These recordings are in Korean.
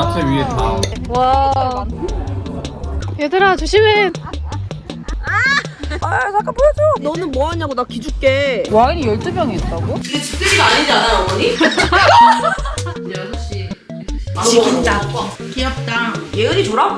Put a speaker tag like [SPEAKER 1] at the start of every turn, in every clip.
[SPEAKER 1] 야채 위에 다.
[SPEAKER 2] 와. 얘들아 조심해.
[SPEAKER 3] 아 잠깐 보여줘. 너는 뭐 하냐고. 나 기줄게.
[SPEAKER 2] 와인이 12병이 있다고?
[SPEAKER 3] 이게 집들이가 아니지 않아요 어머니? 6시. 지긴다. 귀엽다. 예은이 줘라.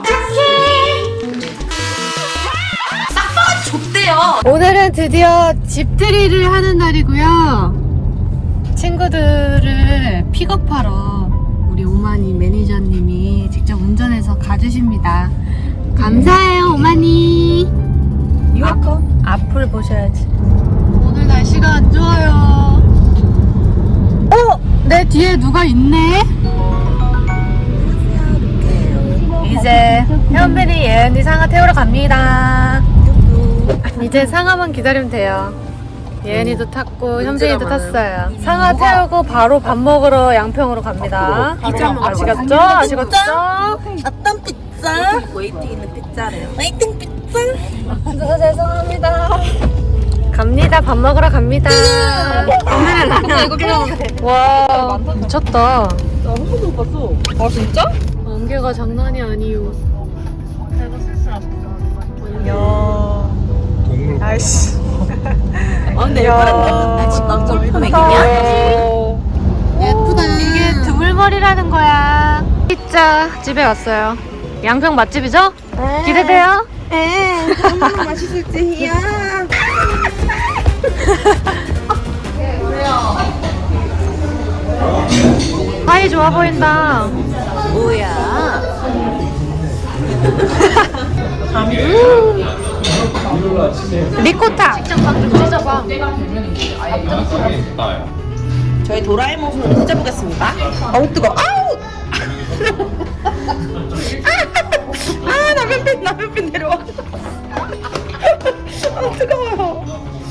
[SPEAKER 3] 싹바가지 줬대요.
[SPEAKER 2] 오늘은 드디어 집들이를 하는 날이고요. 친구들을 픽업하러 우리 오마니 매니저님이 직접 운전해서 가주십니다. 감사해요 오마니.
[SPEAKER 3] 이거
[SPEAKER 2] 앞을 보셔야지. 오늘 날씨가 안 좋아요. 내 뒤에 누가 있네? 이제 현빈이 예은이 상아 태우러 갑니다. 이제 상아만 기다리면 돼요. 예은이도 탔고 현빈이도 탔어요. 상아 태우고 바로 밥 먹으러 양평으로 갑니다. 아시겠죠? 아시겠죠?
[SPEAKER 3] 어떤 피자? 웨이팅 있는 피자래요. 웨이팅 피자?
[SPEAKER 2] 저 죄송합니다. 갑니다. 밥 먹으러 갑니다. 와 미쳤다.
[SPEAKER 3] 나 한 번도 못 봤어.
[SPEAKER 2] 아 진짜? 안개가 장난이 아니요. 내가 슬슬 아프다. 야.
[SPEAKER 1] 동물.
[SPEAKER 2] 아이씨.
[SPEAKER 3] 아 근데 나 지금 남자 맥이냐?
[SPEAKER 2] 예쁘다. 이게 드물머리라는 거야. 피자 집에 왔어요. 양평 맛집이죠? 기대돼요?
[SPEAKER 3] 얼마나 맛있을지야.
[SPEAKER 2] 사이 좋아 보인다.
[SPEAKER 3] 뭐야?
[SPEAKER 2] 리코타. 직접 방좀 찢어봐.
[SPEAKER 1] 나야.
[SPEAKER 3] 저희 도라에몽 손으로 찢어보겠습니다. 아우 뜨거. 아우. 아 남편팬 내려와. 아 뜨거워요.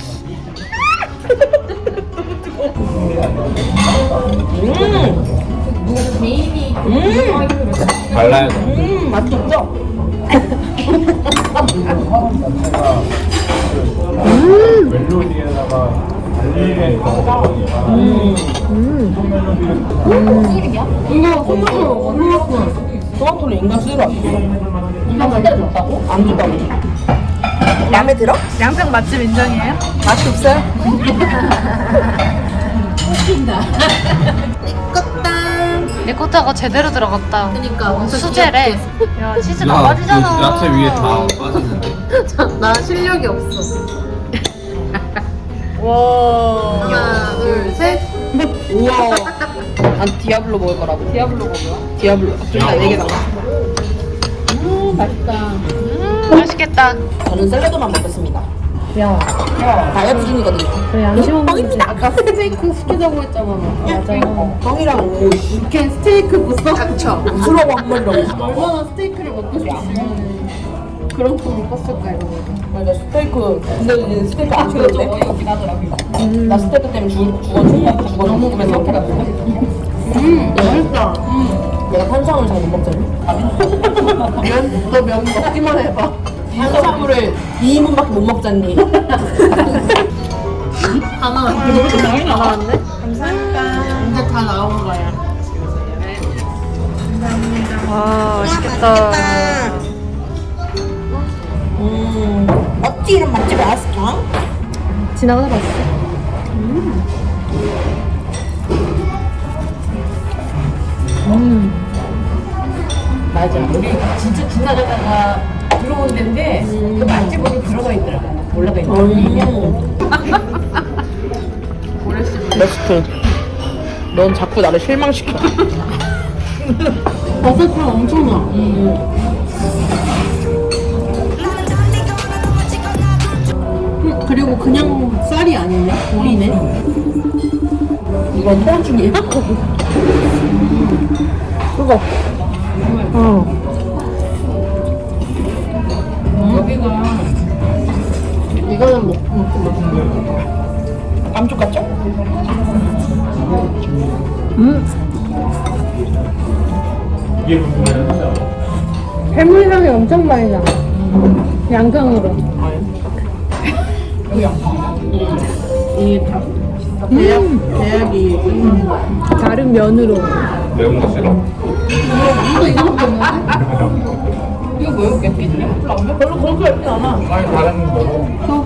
[SPEAKER 1] 발라야 돼.
[SPEAKER 3] 맛 좋죠?
[SPEAKER 1] 멜로디에다가 달리는
[SPEAKER 3] 이거 토마토는 인간 쓰러 왔어. 이거 맛있다고? 안 주다고. 마음에 들어?
[SPEAKER 2] 양평 맛집 인정이에요? 맛이 없어요? 리코타가 제대로 들어갔다. 그러니까 수제래. 야 치즈 다 빠지잖아.
[SPEAKER 1] 그 야채 위에 다 빠졌는데.
[SPEAKER 2] 나 실력이 없어. 와. 하나, 둘, 셋.
[SPEAKER 3] 우와. 난 디아블로 먹을 거라고.
[SPEAKER 2] 디아블로가 뭐야?
[SPEAKER 3] 디아블로. 둘다 4개 달라.
[SPEAKER 2] 맛있다. 맛있겠다.
[SPEAKER 3] 저는 샐러드만 먹겠습니다.
[SPEAKER 2] 야,
[SPEAKER 3] 다이어트 중이거든요.
[SPEAKER 2] 그래 양심 없는
[SPEAKER 3] 뻥입니다.
[SPEAKER 2] 아까 스테이크 시키자고 했잖아. 맞아.
[SPEAKER 3] 뻥이랑 오
[SPEAKER 2] 이렇게 스테이크 못 샀죠.
[SPEAKER 3] 술하고 한 번이라고.
[SPEAKER 2] 얼마나 스테이크를 먹고 싶으면 그런 거 못 봤을까 이러고.
[SPEAKER 3] 그러니까 스테이크. 근데 이제 스테이크 안 좋은데?
[SPEAKER 2] 어이없긴 하더라고요.
[SPEAKER 3] 나 스테이크 때문에 죽어 너무 그래 이렇게
[SPEAKER 2] 맛있다.
[SPEAKER 3] 내가 탄수화물 잘 못 먹잖아.
[SPEAKER 2] 너 면 먹기만 해봐.
[SPEAKER 3] 탄수화물을 2인분밖에 못 먹잖니.
[SPEAKER 2] 다 나왔네. 다 나왔네.
[SPEAKER 3] 감사합니다.
[SPEAKER 2] 이제 다 나온 거야. 감사합니다. 와 맛있겠다.
[SPEAKER 3] 어찌 이런 맛집이 왔을까?
[SPEAKER 2] 지나가다 봤어.
[SPEAKER 4] 맞아. 우리 진짜 지나가다가 들어온 데인데 그 맛집으로 들어가 있더라고. 올라가 있더라고.
[SPEAKER 3] 레스트. 넌 자꾸 나를 실망시켜.
[SPEAKER 2] 버섯향 엄청 나. 그리고 그냥 쌀이 아니네. 오리네.
[SPEAKER 3] 이건 토한 중이야? 그거.
[SPEAKER 4] 여기가
[SPEAKER 2] 이거는 먹고
[SPEAKER 3] 감쪽 같죠?
[SPEAKER 1] 이게 뭐야?
[SPEAKER 2] 해물향이 엄청 많이 나. 양평으로.
[SPEAKER 4] 이 대학이
[SPEAKER 2] 다른 면으로.
[SPEAKER 1] 매운 거 싫어?
[SPEAKER 4] 이거 뭐야? 맵겠냐? 별로 그렇게 맵진 않아.
[SPEAKER 1] 아니 다른 거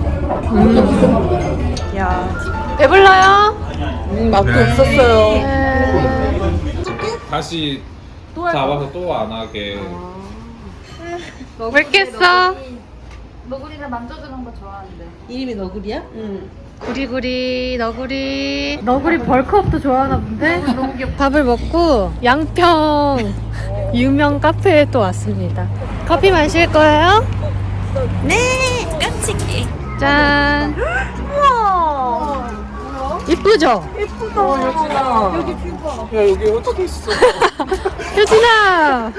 [SPEAKER 2] 야, 배불러요?
[SPEAKER 3] 맛도
[SPEAKER 1] 네.
[SPEAKER 3] 없었어요.
[SPEAKER 2] 네.
[SPEAKER 1] 다시 잡아서 또 안 하게.
[SPEAKER 2] 왜 깼어?
[SPEAKER 5] 너구리를 만져주는 거 좋아하는데.
[SPEAKER 3] 이름이 너구리야? 응.
[SPEAKER 2] 구리구리 너구리 벌크업도 좋아하나 본데? 너무 귀엽다. 밥을 먹고 양평 유명 카페에 또 왔습니다. 커피 마실 거예요? 네 깜찍해. 짠. 우와 이쁘죠?
[SPEAKER 3] 야 여기 어떻게 있어?
[SPEAKER 2] 효진아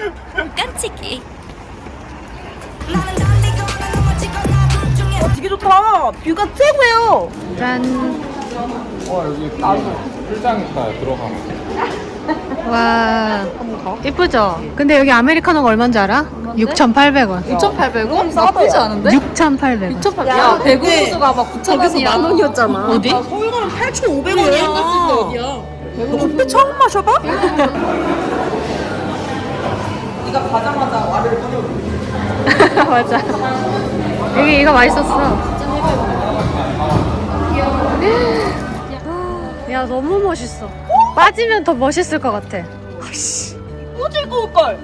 [SPEAKER 3] 되게 좋다. 뷰가 최고예요.
[SPEAKER 2] 짠.
[SPEAKER 1] 여기 풀장 있다 들어가면.
[SPEAKER 2] 와 이쁘죠? 근데 여기 아메리카노가 얼마인지 알아? 6,800원.
[SPEAKER 5] 6,800원? 나쁘지 않은데?
[SPEAKER 2] 6,800원.
[SPEAKER 5] 6,800원. 야, 대구수가 막 9,000원이야.
[SPEAKER 3] 만 원이었잖아.
[SPEAKER 2] 어디?
[SPEAKER 3] 서울 가면 8,500원이야. 커피 처음 마셔봐? 네가 가자마자 와르르 꺼내.
[SPEAKER 2] 맞아. 여기 이거 맛있었어. 야 너무 멋있어. 빠지면 더 멋있을 것 같아.
[SPEAKER 3] 또 즐거울 걸.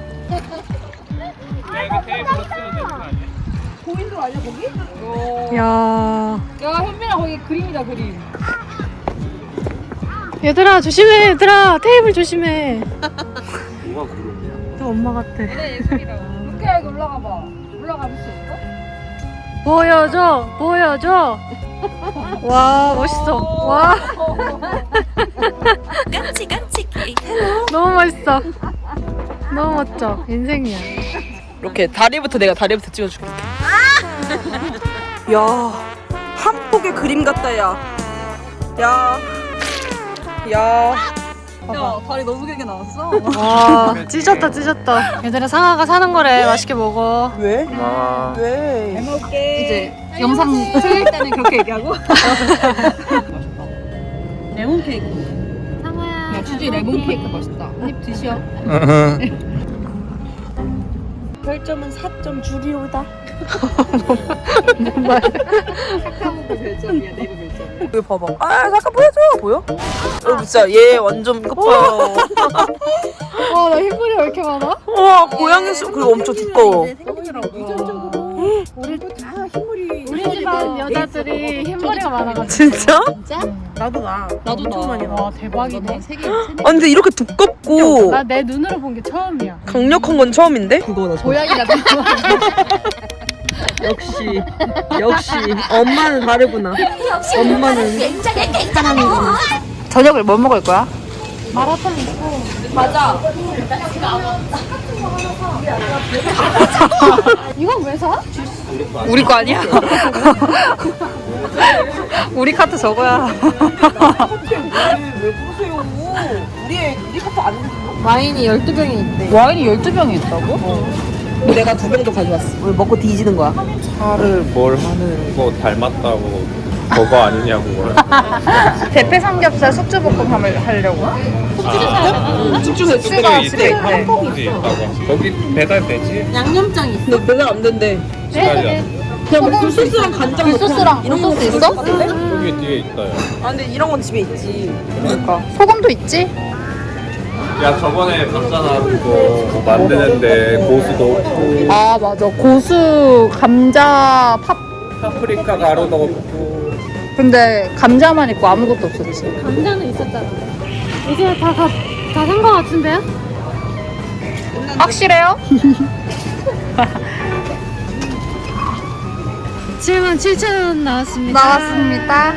[SPEAKER 3] 고인돌 아니야 거기?
[SPEAKER 2] 야
[SPEAKER 5] 야, 현민아, 거기 그림이다, 그림.
[SPEAKER 2] 얘들아 조심해. 얘들아 테이블 조심해.
[SPEAKER 1] 뭐가 그러냐?
[SPEAKER 2] 또 엄마 같아.
[SPEAKER 5] 내 예술이라고. 루크야, 여기 올라가 봐. 올라가 볼 수 있어?
[SPEAKER 2] 보여줘. 와 멋있어. 와 너무 멋있어. 너무 멋져. 인생이야.
[SPEAKER 3] 이렇게 다리부터 내가 다리부터 찍어줄게. 야, 한 폭의 그림 같다 야. 야.
[SPEAKER 5] 야, 다리 너무 길게 나왔어.
[SPEAKER 2] 와 찢었다. 얘들아 상아가 사는 거래. 맛있게 먹어.
[SPEAKER 3] 왜?
[SPEAKER 1] 아.
[SPEAKER 3] 왜?
[SPEAKER 5] 이제 영상 틀릴 때는 그렇게 얘기하고.
[SPEAKER 3] 레몬 케이크.
[SPEAKER 2] 상아야.
[SPEAKER 5] 야, 주주의 레몬 케이크 맛있다. 한입 드셔.
[SPEAKER 3] 별점은 4점 줄이오다.
[SPEAKER 5] 카카오톡 별점이야, 네이버 별점.
[SPEAKER 3] 여기 봐봐. 아 잠깐 보여줘. 보여? 여기 진짜 얘 완전 이거 봐요.
[SPEAKER 2] 와나 흰물이 왜 이렇게 많아?
[SPEAKER 3] 와 고양이 수 그리고 엄청 두꺼워.
[SPEAKER 2] 우리 집안 여자들이 흰머리가 많아가지고.
[SPEAKER 3] 진짜? 나도 나. 엄청 많이 나.
[SPEAKER 2] 와 대박이네.
[SPEAKER 3] 아 근데 이렇게 두껍고
[SPEAKER 2] 나 내 눈으로 본 게 처음이야.
[SPEAKER 3] 강력한 건 처음인데? 그거나
[SPEAKER 5] 고양이가
[SPEAKER 3] 역시 엄마는 다르구나. 엄마는 사랑이구나. 저녁을 뭐 먹을 거야?
[SPEAKER 2] 마라탕 있고.
[SPEAKER 5] 맞아.
[SPEAKER 2] 이건 왜 사?
[SPEAKER 3] 우리 거 아니야? 우리 카트 저거야. 왜 그러세요? 우리 카트 안 되는
[SPEAKER 5] 와인이 12병이 있대.
[SPEAKER 3] 와인이 12병이 있다고? 내가 2병도 가져왔어. 우리 먹고 뒤지는 거야.
[SPEAKER 1] 차를 뭘 하는 거 닮았다고 그거 아니냐고.
[SPEAKER 3] 대패 삼겹살 숙주볶음함을 하려고? 숙주가
[SPEAKER 1] 숙주가 있대. 한국이 있다고. 거기 배달되지?
[SPEAKER 5] 양념장 있어.
[SPEAKER 3] 근데 배달 안 된대.
[SPEAKER 1] 비싸지
[SPEAKER 3] 그냥 뭐 굴소스랑 간장
[SPEAKER 5] 굴소스랑
[SPEAKER 3] 이런 거
[SPEAKER 5] 굴소스
[SPEAKER 3] 있어?
[SPEAKER 1] 저기 뒤에 있어요.
[SPEAKER 3] 아 근데 이런 건 집에 있지. 그러니까.
[SPEAKER 5] 소금도 있지?
[SPEAKER 1] 야 저번에 봤잖아 그거 뭐 만드는데 고수도 없고
[SPEAKER 5] 아, 맞아. 고수, 감자, 팝.
[SPEAKER 1] 파프리카 가루도 없고.
[SPEAKER 5] 근데 감자만 있고 아무것도 없었지.
[SPEAKER 2] 감자는 있었잖아. 이제 다 산 거 같은데요?
[SPEAKER 5] 확실해요?
[SPEAKER 2] 77,000원 나왔습니다.
[SPEAKER 5] 나왔습니다.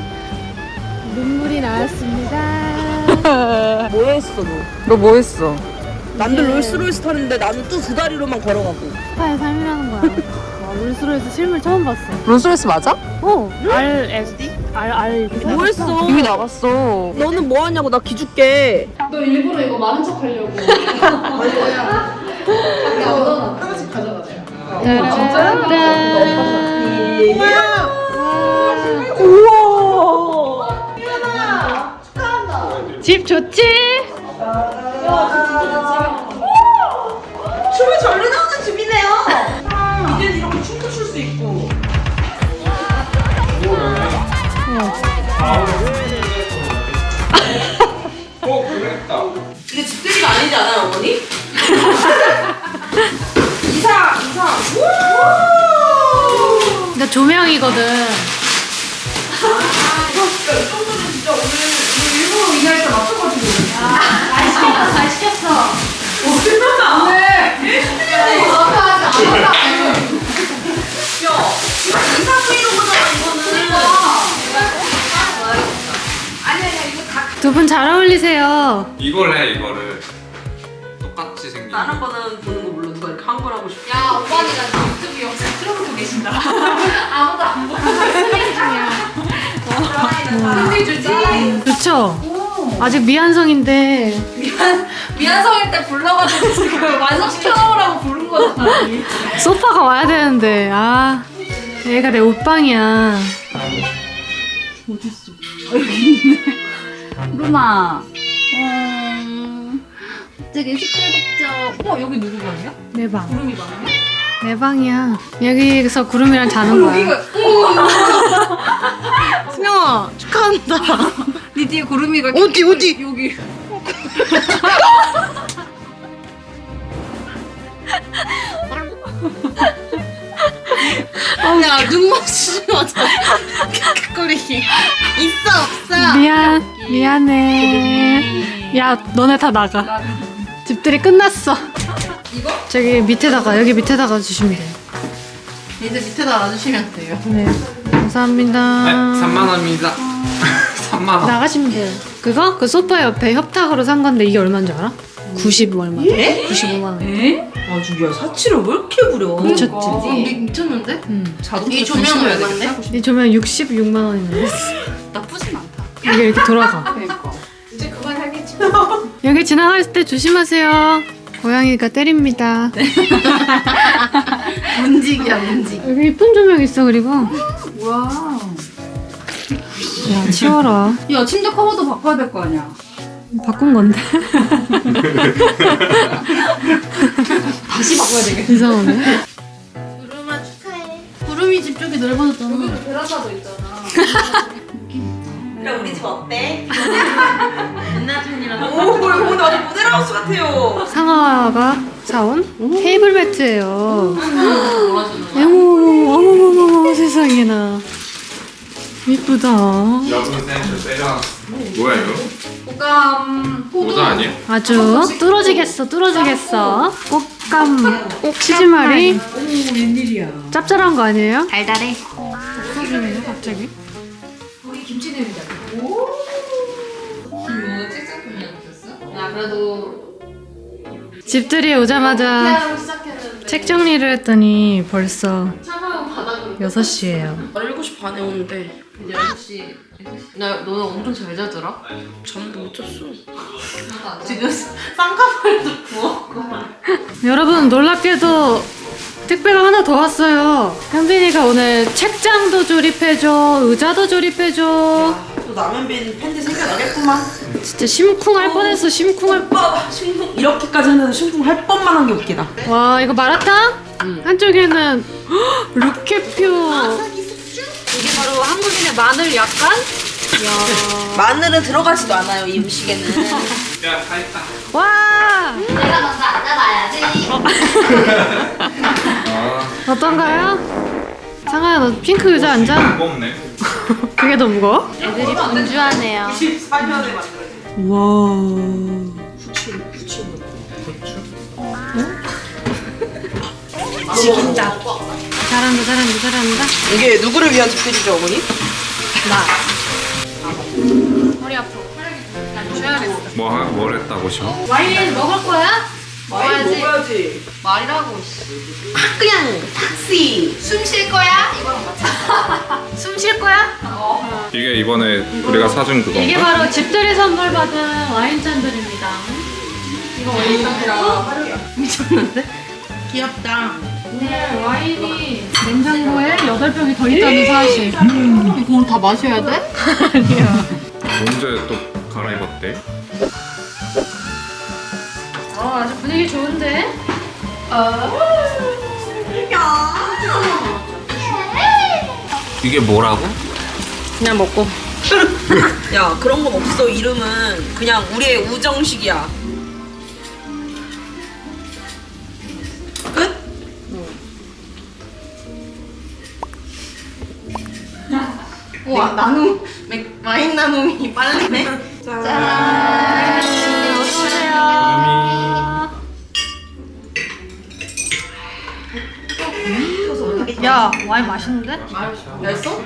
[SPEAKER 2] 눈물이 나왔습니다.
[SPEAKER 3] 뭐 했어 너?
[SPEAKER 5] 너 뭐 했어?
[SPEAKER 3] 남들 롤스로이스 타는데 나는 또 2다리로만 걸어가고.
[SPEAKER 2] 스타의 삶이라는 거야. 와, 롤스로이스 실물 처음 봤어.
[SPEAKER 5] 롤스로이스 맞아?
[SPEAKER 2] RSD? R
[SPEAKER 3] 뭐 했어?
[SPEAKER 5] 이미 나갔어.
[SPEAKER 3] 너는 뭐 하냐고 나 기줄게.
[SPEAKER 5] 너 일부러 이거 많은 척 하려고. 하나씩 가져가자.
[SPEAKER 3] 우와.
[SPEAKER 2] 집 좋지?
[SPEAKER 3] 춤을 절로 나오는 집이네요. 이제는 이렇게 춤도 출 수 있고.
[SPEAKER 1] 그랬다.
[SPEAKER 3] 이게 집들이가 아니지 않아요, 어머니? 이사.
[SPEAKER 2] 근데 조명이거든.
[SPEAKER 3] 이 정도는 진짜 오늘 일부러 이 날짜 맞춰가지고.
[SPEAKER 2] 잘 시켰어.
[SPEAKER 3] 이사 브이로그잖아, 이거는.
[SPEAKER 2] 두 분 잘 어울리세요.
[SPEAKER 1] 이걸 해 이거를. 똑같이 생긴.
[SPEAKER 3] 다른 거는 보는 거 몰라. 누가 이렇게 한 걸 하고 싶어.
[SPEAKER 5] 야 오빠니가 유튜브 영상 틀어놓고 계신다. 아무도 안 보고 승리 주지.
[SPEAKER 2] 그쵸? 아직 미완성인데
[SPEAKER 5] 미안성일 때 불러가지고 지금 완성시켜 놓으라고 부른 거잖아.
[SPEAKER 2] 소파가 와야 되는데 아 얘가 내 옷방이야.
[SPEAKER 5] 루마. 되게 시끌벅적. 여기 누구 방이야?
[SPEAKER 2] 내 방.
[SPEAKER 5] 구름이 방이야?
[SPEAKER 2] 내 방이야. 여기서 구름이랑 자는 거야. 승영아 축하한다.
[SPEAKER 5] 니 뒤에 구름이가
[SPEAKER 2] 어디?
[SPEAKER 5] 여기.
[SPEAKER 2] 야 눈 맞추지 마자. 킥거리기 있어 없어. 미안해. 야 너네 다 나가. 집들이 끝났어.
[SPEAKER 5] 이거?
[SPEAKER 2] 저기 밑에다가 여기 밑에다가 주시면 돼요.
[SPEAKER 5] 이제 밑에다 놔주시면 돼요.
[SPEAKER 2] 네 감사합니다.
[SPEAKER 1] 3만 원입니다. 3만 원.
[SPEAKER 2] 나가시면 돼요. 그거? 그 소파 옆에 협탁으로 산 건데 이게 얼마인지 알아? 90 얼마? 95만 원.
[SPEAKER 3] 아주 야 사치를 왜 이렇게 부려?
[SPEAKER 2] 미쳤지?
[SPEAKER 5] 미쳤는데?
[SPEAKER 3] 이 조명은 얼마인데?
[SPEAKER 2] 이 조명 66만 원인데
[SPEAKER 5] 나쁘진 않다.
[SPEAKER 2] 이게 이렇게 돌아가.
[SPEAKER 5] 그러니까. 이제 그만 하겠지.
[SPEAKER 2] 여기 지나갈 때 조심하세요. 고양이가 때립니다.
[SPEAKER 5] 문직이야 문직.
[SPEAKER 2] 여기 이쁜 조명 있어 그리고.
[SPEAKER 5] 와.
[SPEAKER 2] 야 치워라.
[SPEAKER 5] 야 침대 커버도 바꿔야 될 거 아니야.
[SPEAKER 2] 바꾼 건데.
[SPEAKER 5] 다시 바꿔야 되겠다.
[SPEAKER 2] 이상하네.
[SPEAKER 5] 구름아 축하해.
[SPEAKER 2] 구름이 집 쪽이 넓어졌잖아.
[SPEAKER 5] 여기도 베란다도 있잖아.
[SPEAKER 3] 그럼 우리 집 어때? 오, 이거 오늘 아주 모델하우스 같아요.
[SPEAKER 2] 상아가 사온 테이블 매트예요. 어머머머머 세상에나. 이쁘다.
[SPEAKER 1] 여분 센스 때려. 뭐야 이거?
[SPEAKER 5] 호감.
[SPEAKER 1] 모자 아니야?
[SPEAKER 2] 아주 뚫어지겠어. 꽃감 치즈말이.
[SPEAKER 3] 오, 웬일이야.
[SPEAKER 2] 짭짤한 거 아니에요?
[SPEAKER 5] 달달해.
[SPEAKER 2] 없어지네 갑자기.
[SPEAKER 5] 거기 김치 냄새잖아. 오. 이거 찌찌꾸미야 못했어? 야 그래도
[SPEAKER 2] 집들이 오자마자
[SPEAKER 5] 태양으로 시작했는데.
[SPEAKER 2] 책 정리를 했더니 벌써
[SPEAKER 5] 차가운 바닥으로.
[SPEAKER 2] 6시예요.
[SPEAKER 3] 7시 반에 오는데
[SPEAKER 5] 이제 6시.
[SPEAKER 3] 나 너는 엄청 잘 자더라? 잠도 못 잤어.
[SPEAKER 5] 지금 쌍꺼풀도 부었고.
[SPEAKER 2] 여러분 놀랍게도 택배가 하나 더 왔어요. 현빈이가 오늘 책장도 조립해줘, 의자도 조립해줘.
[SPEAKER 3] 또 라면빈 팬티 생겨나겠구만.
[SPEAKER 2] 진짜 심쿵할 뻔했어, 심쿵할
[SPEAKER 3] 오빠 심쿵 이렇게까지 했는데 심쿵할 뻔만한 게 웃기다.
[SPEAKER 2] 와 이거 마라탕? 한쪽에는 헉, 루케표. 이게 바로 한국인의 마늘 약간? 이야.
[SPEAKER 3] 마늘은 들어가지도 않아요 이 음식에는.
[SPEAKER 1] 야, 다 했다.
[SPEAKER 2] 와
[SPEAKER 5] 내가 먼저 앉아봐야지.
[SPEAKER 1] 아,
[SPEAKER 2] 어떤가요? 상아야 너 핑크 의자 앉아.
[SPEAKER 1] 무겁네.
[SPEAKER 2] 그게 더 무거워? 애들이 분주하네요.
[SPEAKER 3] 94년에 만들어진.
[SPEAKER 2] 와.
[SPEAKER 3] 지긴다.
[SPEAKER 2] 잘한다.
[SPEAKER 3] 이게 누구를 위한 집들이죠 어머니?
[SPEAKER 2] 머리 아파. 쉬어야겠어.
[SPEAKER 1] 뭘 했다고 셔?
[SPEAKER 2] 와인 먹을 거야?
[SPEAKER 3] 먹어야지. 먹어야지.
[SPEAKER 5] 말이라고.
[SPEAKER 3] 그냥 탁시.
[SPEAKER 5] 숨 쉴 거야? 이거랑 같이.
[SPEAKER 2] 숨 쉴 거야?
[SPEAKER 1] 이게 이번에 우리가 사준 그건가?
[SPEAKER 2] 이게 바로 집들이 선물 받은 와인잔들입니다. 이거 와인잔이라 미쳤는데?
[SPEAKER 3] 귀엽다.
[SPEAKER 2] 네, 와인이 냉장고에 8병이 더 있다는 사실.
[SPEAKER 5] 이거 다 마셔야 돼?
[SPEAKER 2] 아니야.
[SPEAKER 1] 언제 또 갈아입었대?
[SPEAKER 2] 아주 분위기 좋은데?
[SPEAKER 1] 이게 뭐라고?
[SPEAKER 2] 그냥 먹고.
[SPEAKER 6] 야 그런 건 없어. 이름은 그냥 우리의 우정식이야. 끝?
[SPEAKER 3] 우와 나눔 와인 나눔이 빨리네.
[SPEAKER 2] 야, 와인 맛있는데?
[SPEAKER 3] 맛있어?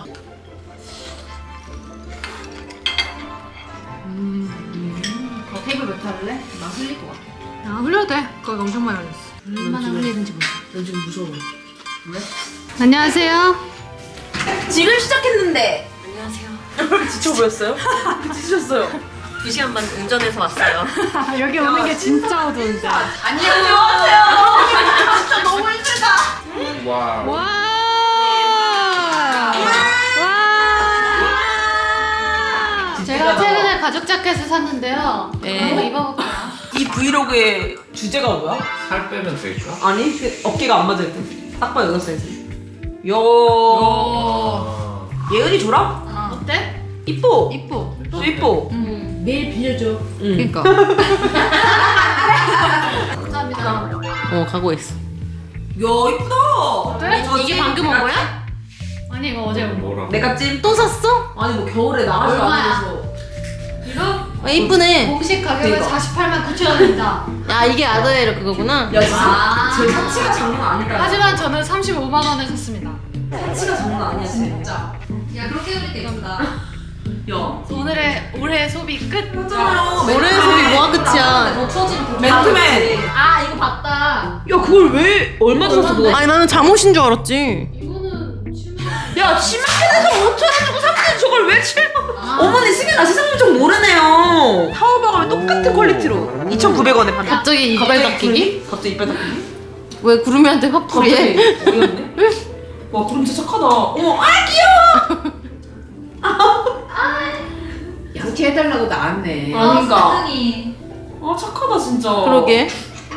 [SPEAKER 4] 테이블 몇 할래? 나 흘릴 것 같아.
[SPEAKER 2] 야, 흘려도 돼. 거기 엄청 많이 흘렸어.
[SPEAKER 4] 얼마나 흘리는지 몰라.
[SPEAKER 3] 난 지금 무서워.
[SPEAKER 2] 안녕하세요.
[SPEAKER 6] 지금 시작했는데.
[SPEAKER 3] 지쳐 보였어요? 지치셨어요.
[SPEAKER 6] 2시간 반 운전해서 왔어요.
[SPEAKER 2] 여기 오는 게 진짜 어두운데.
[SPEAKER 6] 안녕하세요. 진짜 너무 힘들다.
[SPEAKER 1] 와.
[SPEAKER 2] 와! 와! 제가 최근에 가죽 자켓을 샀는데요.
[SPEAKER 6] 네.
[SPEAKER 2] 한번 입어볼게요.
[SPEAKER 6] 이 브이로그의 주제가 뭐야?
[SPEAKER 1] 살 빼면 되죠?
[SPEAKER 6] 아니 그 어깨가 안 맞을 때. 딱 봐 여섯 사이즈. 요. 예은이 줘라.
[SPEAKER 2] 어때?
[SPEAKER 6] 이뻐.
[SPEAKER 2] 이뻐.
[SPEAKER 6] 또 이뻐.
[SPEAKER 4] 내일 빌려줘.
[SPEAKER 2] 그러니까. 감사합니다.
[SPEAKER 6] 가고 있어. 야 이쁘다.
[SPEAKER 2] 어때? 이게 방금 온 거야? 아니 이거 어제 온 거.
[SPEAKER 1] 뭐라고?
[SPEAKER 6] 내가 찜 또 샀어? 아니 뭐 겨울에 나가지도
[SPEAKER 2] 얼마야?
[SPEAKER 6] 않아서.
[SPEAKER 2] 이거
[SPEAKER 6] 이쁘네.
[SPEAKER 2] 공식 가격은
[SPEAKER 6] 이거.
[SPEAKER 2] 48만 9천 원입니다.
[SPEAKER 6] 야 이게 아더에로 그거구나. 야 진짜 제 사치가 장난 아니다.
[SPEAKER 2] 하지만 저는 35만 원에 샀습니다.
[SPEAKER 6] 사치가 장난 아니야 진짜.
[SPEAKER 2] 야 그렇게 그리니까 이겁니다.
[SPEAKER 6] 야.
[SPEAKER 2] 오늘의 올해 소비 끝.
[SPEAKER 6] 올해 소비 뭐가 끝이야? 맨투맨.
[SPEAKER 2] 아 이거 봤다.
[SPEAKER 6] 야 그걸 왜 얼마 줬어 그거? 아니 나는 잠옷인 줄 알았지.
[SPEAKER 2] 이거는 7만
[SPEAKER 6] 야 치마켓에서 5천 원 주고 샀는데 저걸 왜 7만 원? 어머니 승현아 세상 좀 모르네요. 타오바 가면 똑같은 퀄리티로 2,900원에 파네.
[SPEAKER 2] 갑자기 이빨 닦이기?
[SPEAKER 6] 갑자기 이빨 닦기?
[SPEAKER 2] 왜 구름이한테 화풀이해?
[SPEAKER 6] 갑자기 어이없네. 와 구름 진짜 착하다. 어머 아 귀여워.
[SPEAKER 4] 양치해달라고 나왔네.
[SPEAKER 6] 그러니까. 아 착하다 진짜. 그러게.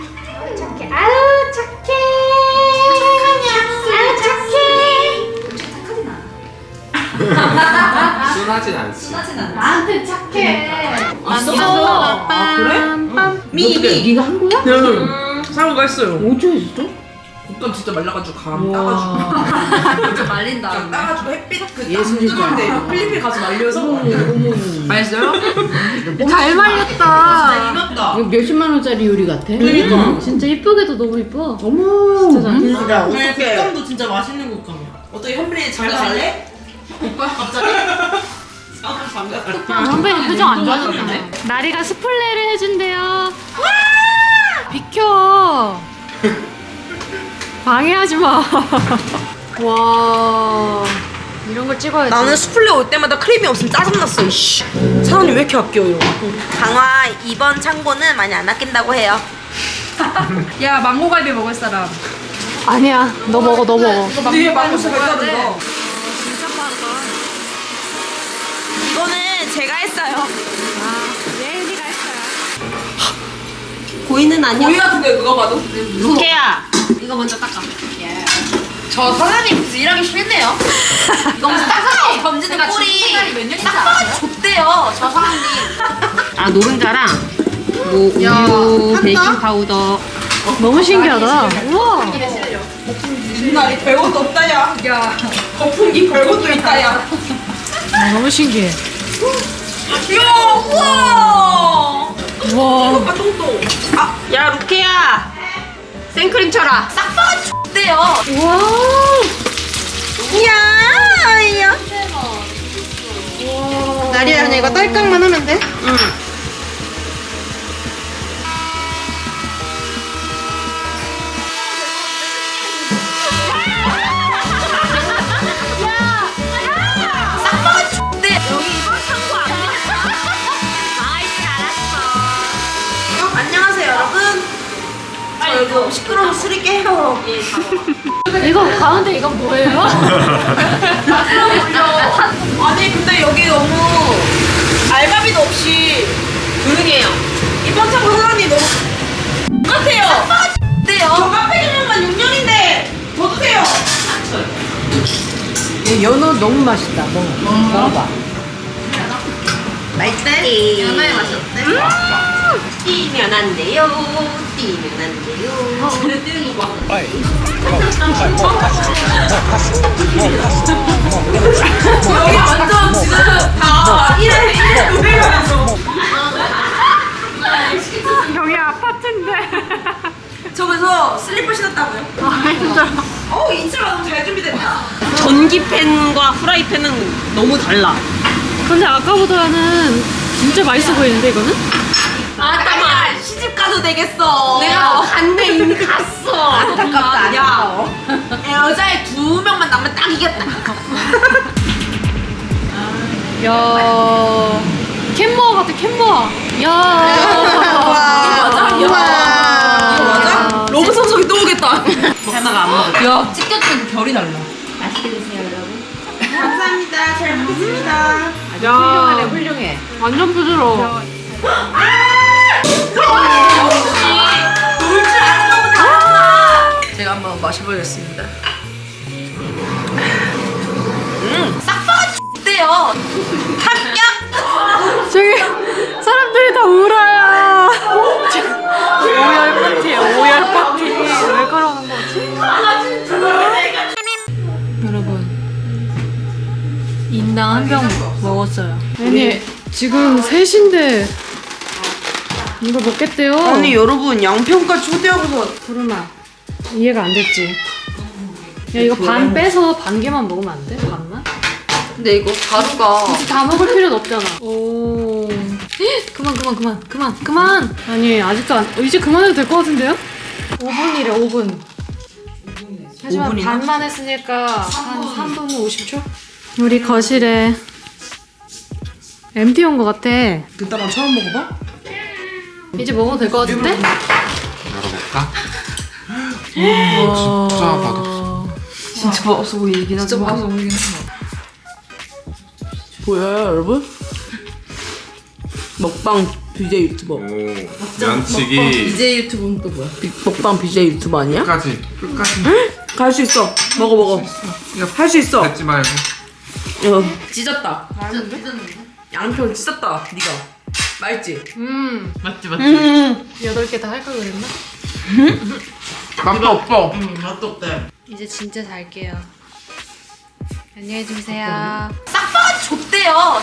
[SPEAKER 1] 순하진 않지.
[SPEAKER 2] 나한테 착해.
[SPEAKER 6] 있어. 아 그래? 미.
[SPEAKER 4] 네가 한 거야?
[SPEAKER 6] 네. 사람가 했어요.
[SPEAKER 4] 어쩌 했어?
[SPEAKER 6] 옷감 진짜 말라가지고 감 따가지고.
[SPEAKER 2] 진짜 말린다.
[SPEAKER 6] 따가지고 햇빛 그
[SPEAKER 4] 예술이다.
[SPEAKER 6] 뜨거운데 필리핀 가서 말려서. 맛있어요?
[SPEAKER 2] 잘 말렸다.
[SPEAKER 6] 진짜 이겼다.
[SPEAKER 4] 이거 몇십만 원짜리 요리 같아?
[SPEAKER 6] 그러니까.
[SPEAKER 2] 진짜 이쁘게도 너무 이뻐.
[SPEAKER 4] 어머.
[SPEAKER 2] 진짜 잘.
[SPEAKER 3] 야
[SPEAKER 6] 어떡해.
[SPEAKER 3] 옷감도 진짜 맛있는 옷감이야.
[SPEAKER 6] 어떻게 현빈이 장가 갈래? 오빠 갑자기? 장가 갈래?
[SPEAKER 2] 아, 선배님 표정 안 좋아졌네. 나리가 스플레이를 해준대요. 비켜. 방해하지 마. 와. 이런 걸 찍어야지.
[SPEAKER 6] 나는 수플레 올 때마다 크림이 없으면 짜증났어. 이씨. 사장님 왜 이렇게 아껴요? 강화 이번 창고는 많이 안 아낀다고 해요.
[SPEAKER 5] 야 망고갈비 먹을 사람.
[SPEAKER 2] 아니야. 너 먹어, 너 먹어.
[SPEAKER 6] 뒤에 망고스가 있다던가. 이거는 제가 했어요.
[SPEAKER 2] 예은이가 했어요.
[SPEAKER 6] 고이는 아니야. 고이 같은데 그거 봐도. 루케야.
[SPEAKER 2] 이거 먼저 닦아.
[SPEAKER 6] 저 사장님 무슨 일하기 싫네요. 이거 무슨 닦아 던지는 꼴이 딱 좁대요. 저 사장님.
[SPEAKER 4] 아 노른자랑 뭐 우유, 베이킹 파우더.
[SPEAKER 2] 너무 신기하다. 우와.
[SPEAKER 6] 나 이 별것도 없다 야. 야. 거품기 별것도 있다 야.
[SPEAKER 2] 너무 신기해.
[SPEAKER 6] 야 우와.
[SPEAKER 2] 우와.
[SPEAKER 6] 오빠 똥똥. 아, 야 루케야. 생크림 쳐라. 싹바가 좁대요.
[SPEAKER 2] 우와.
[SPEAKER 6] 이야, 야.
[SPEAKER 3] 나리야 그냥 이거 딸깍만 하면 돼?
[SPEAKER 6] 응. 싹바가 좁대. 여기 이번 창고 안 돼. 아이씨 알았어. 안녕하세요 여러분. 저 여기 너무 시끄러워 술이 깨요.
[SPEAKER 2] 이거 가운데 이건 뭐예요?
[SPEAKER 6] 아니 근데 여기 너무 알바비도 없이 조용해요. 이번 창고 사장님 너무 똑같아요. 어때요? 저 카페주면만 6년인데 더 드세요.
[SPEAKER 4] 연어 너무 맛있다. 먹어봐.
[SPEAKER 6] 맛있다니. 연어의 맛이 어때? 뛰면 안 돼요. 뛰면 안 돼요. 뛰는 거 봐. 여기 완전 지금 다 이래 노래하면서.
[SPEAKER 2] 여기 아파트인데.
[SPEAKER 6] 저기서 슬리퍼 신었다고요? 아 힘들어. 인트로가 너무 잘 준비됐다. 전기팬과 프라이팬은 너무 달라.
[SPEAKER 2] 근데 아까보다는 진짜 맛있어 보이는데 이거는?
[SPEAKER 6] 잠깐만 시집 가도 되겠어. 내가 갔네 이미 갔어. 안타깝다. 야 여자애 2명만 남으면 딱 이겼다.
[SPEAKER 2] 야 캔모아 같아 캔모아. 야.
[SPEAKER 6] 이거 맞아? 로봇 성석이 또 오겠다. 하나가 안 먹어.
[SPEAKER 4] 야, 찢겨지면 결이 달라.
[SPEAKER 6] 감사합니다. 잘 먹겠습니다.
[SPEAKER 2] 야
[SPEAKER 4] 훌륭해.
[SPEAKER 2] 완전 부드러워.
[SPEAKER 6] 놀 줄 아는 거보다 낫다.
[SPEAKER 4] 제가 한번 마셔보겠습니다.
[SPEAKER 6] 싹바가 어때요? 합격.
[SPEAKER 2] 저기 사람들이 다 울어요. 오열 파티야 오열 파티. 왜 그러는 거지? 여러분 인당 한 병 먹었어요. 아니 지금 3시인데 이걸 먹겠대요.
[SPEAKER 6] 아니 여러분 양평까지 초대하고서
[SPEAKER 2] 구름아 이해가 안 됐지? 야 이거 반 빼서 반 개만 먹으면 안 돼? 반만?
[SPEAKER 6] 근데 이거 가루가
[SPEAKER 2] 굳이 다 먹을 필요는 없잖아. 오. 그만. 아니 아직도 안. 이제 그만해도 될 것 같은데요? 5분이래 5분. 하지만
[SPEAKER 6] 5분이나?
[SPEAKER 2] 반만 했으니까 한 3분 50초? 우리 거실에 MT 온 것 같아.
[SPEAKER 4] 그따가 처음 먹어봐?
[SPEAKER 2] 이제 먹어도 될 것 같은데?
[SPEAKER 1] 열어볼까? 진짜 맛없어.
[SPEAKER 6] 진짜 맛없어 보이긴 하지. 진짜 맛없어 보이긴 하지.
[SPEAKER 3] 보여요 여러분? 먹방 BJ 유튜버.
[SPEAKER 1] 오, 면치기
[SPEAKER 4] BJ 유튜브는 또 뭐야?
[SPEAKER 3] 먹방 BJ 유튜버 아니야?
[SPEAKER 1] 끝까지
[SPEAKER 3] 갈 수 있어. 먹어. 할 수 있어.
[SPEAKER 1] 뱉지 말고.
[SPEAKER 3] 찢었다. 양평 찢었다. 네가 맛있지?
[SPEAKER 4] 맞지.
[SPEAKER 2] 8개 다 할 걸 그랬나?
[SPEAKER 3] 맛도 없어.
[SPEAKER 4] 맛도 없대.
[SPEAKER 2] 이제 진짜 잘게요. 안녕히 주무세요.
[SPEAKER 6] 싹바가 줬대요.